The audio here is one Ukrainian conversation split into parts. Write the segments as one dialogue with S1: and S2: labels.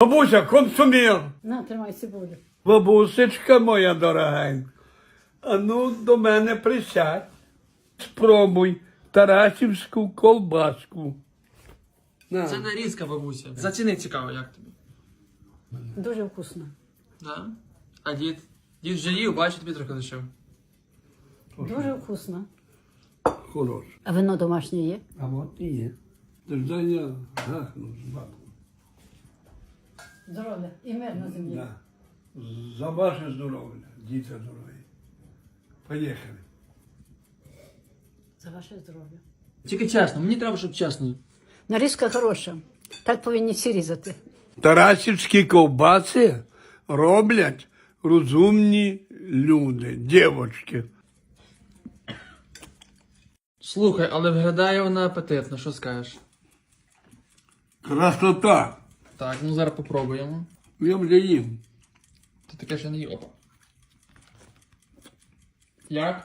S1: Бабуся, консумір.
S2: На, тримай цибулю.
S1: Бабусечка моя дорогенька, а ну до мене присядь. Спробуй тарасівську колбаску. На.
S3: Це нарізка, бабуся. Заціни цікаво, як тобі.
S2: Дуже вкусно.
S3: Да? А дід? Дід вже їв, бачу, тобі трохи лишив.
S2: Дуже вкусно.
S1: Хорош.
S2: А вино домашнє є?
S1: А от і є. Тож я гахну з бабку.
S2: Здоров'я і мир на землі.
S1: Да. За ваше здоров'я, діти здорові. Поїхали.
S2: За ваше здоров'я.
S3: Тільки чесно, мені треба, щоб чесно.
S2: Нарізка хороша. Так повинні всі різати.
S1: Тарасівські ковбаси роблять розумні люди, дівчатки.
S3: Слухай, але виглядає вона апетитно, що скажеш?
S1: Красота.
S3: Так, ну зараз попробуємо.
S1: Я вже їм.
S3: Ти таке ще не їв. Опа. Як?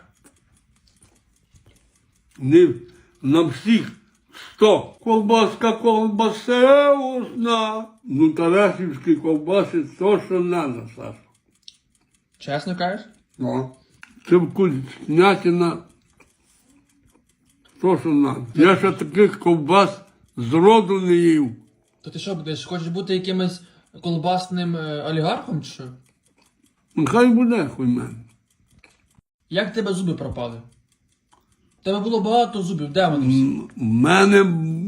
S1: Не на всіх 100. Колбаска колбасеусна. Ну, тарасівські ковбаси то, що надо, Саша.
S3: Чесно кажеш?
S1: Ну. Це вкуснятина. То, що надо. Я ще таких ковбас зроду не їв.
S3: То ти що будеш? Хочеш бути якимось колбасним олігархом чи що?
S1: Нехай буде хуй мене.
S3: Як в тебе зуби пропали? В тебе було багато зубів, де вони всі?
S1: У мене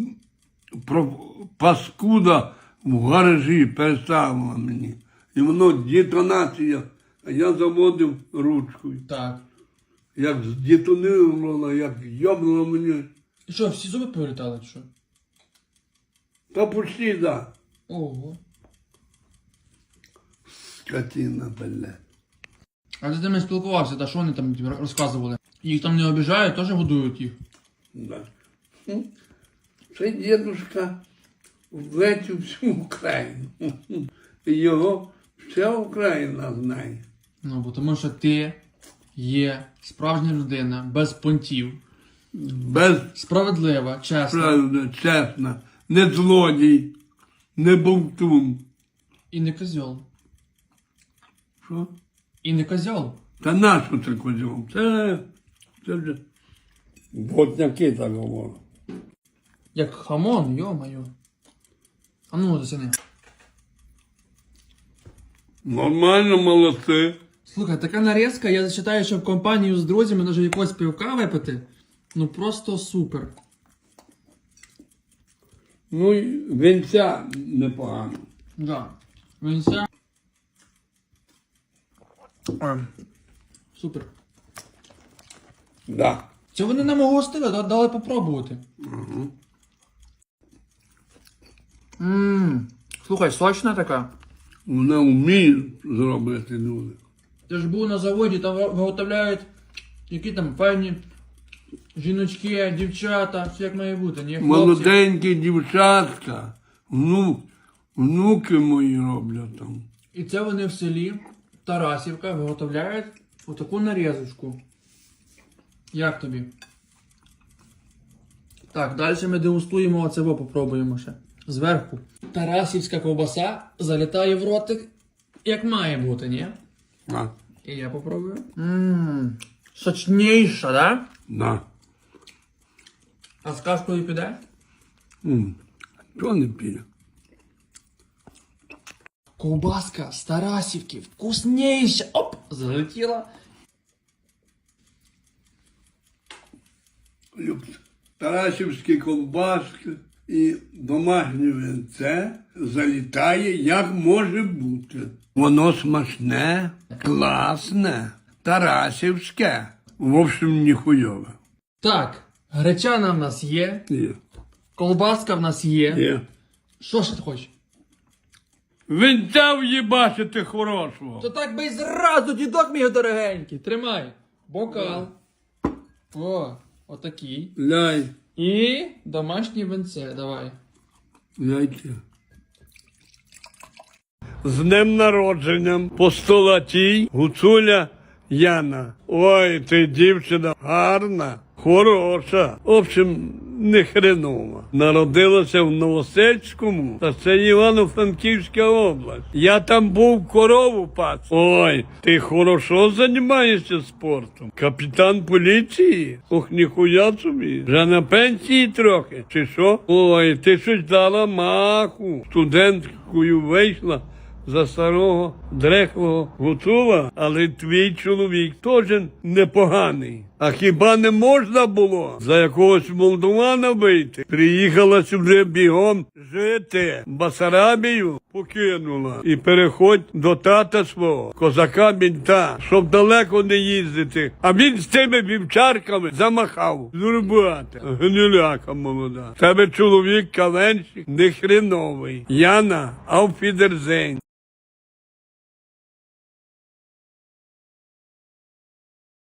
S1: паскуда в гаражі переставила мені. І воно детонація. А я заводив ручкою.
S3: Так.
S1: Як здетонувало, як йобнуло мені.
S3: І що, всі зуби повилітали чи що?
S1: Та почти, да.
S3: Ого.
S1: Скотина, блядь.
S3: А ти з ними спілкувався, та що вони там тобі розказували? Їх там не обіжають, теж годують їх.
S1: Да. Це дідушка влетів всю Україну. І його вся Україна знає.
S3: Ну, бо тому що ти є справжня людина, без понтів,
S1: Без
S3: справедлива, чесна
S1: правди, чесно, не злодій, не бовтун.
S3: і не козьол.
S1: Що?
S3: І не козьол.
S1: Та нащо це козьом? Це вже ботняки так говорять.
S3: Як хамон, йо-моє. А ну, засяни.
S1: Нормально, молодці.
S3: Слухай, така нарізка, я зачитаю, що в компанію з друзями може якогось пивка випити. Ну просто супер.
S1: Ну і вінця непогано.
S3: Да. Вінця. Супер.
S1: Да.
S3: Це вони нам гостили, дали попробувати. Слухай, сочна така.
S1: Вона вміє зробити люди.
S3: Ти ж був на заводі, там виготовляють які там файні жіночки, дівчата, все як має бути, ні? Хлопці.
S1: Молоденькі дівчатка, внуки мої роблять там.
S3: І це вони в селі Тарасівка виготовляють отаку нарізочку. Як тобі? Так, далі ми дегустуємо оцево, попробуємо ще. Зверху. Тарасівська ковбаса залітає в ротик, як має бути, ні?
S1: А,
S3: І я попробую. Сочніша, да?
S1: да.
S3: А з кашкою піде?
S1: Чого не піде?
S3: Ковбаска з Тарасівки, вкусніша. Оп! Залетіла.
S1: Тарасівські колбаски і домашнє винце залітає, як може бути. Воно смачне, класне, тарасівське. В общем, ніхуйове.
S3: Так, гречана в нас є,
S1: Є.
S3: колбаска в нас є.
S1: Є.
S3: Що ж ти хочеш?
S1: Винця в'їбачити хорошого.
S3: То так би й зразу, дідок мій дорогенький. Тримай. Бокал. О, отакий.
S1: Ляй,
S3: І домашнє винце, давай.
S1: яйця. З днем народженням постолатій Гуцуля Яна. Ой, ти дівчина гарна, хороша. В общем, не хренова. Народилася в Новосельському, та це Івано-Франківська область. Я там був корову пас. Ой, ти хорошо займаєшся спортом? Капітан поліції? Ох, ніхуя собі. Вже на пенсії трохи, чи що? Ой, ти щось дала маху. Студенткою вийшла за старого дрехлого гуцула, але твій чоловік теж непоганий. А хіба не можна було за якогось молдована вийти? Приїхала сюди бігом жити. Басарабію покинула. І переходь до тата свого, козака-мінта, щоб далеко не їздити. А він з тими вівчарками замахав. Зурбата, гниляка молода. Тебе чоловік каленщик не хреновий. Яна, ауфідерзейн.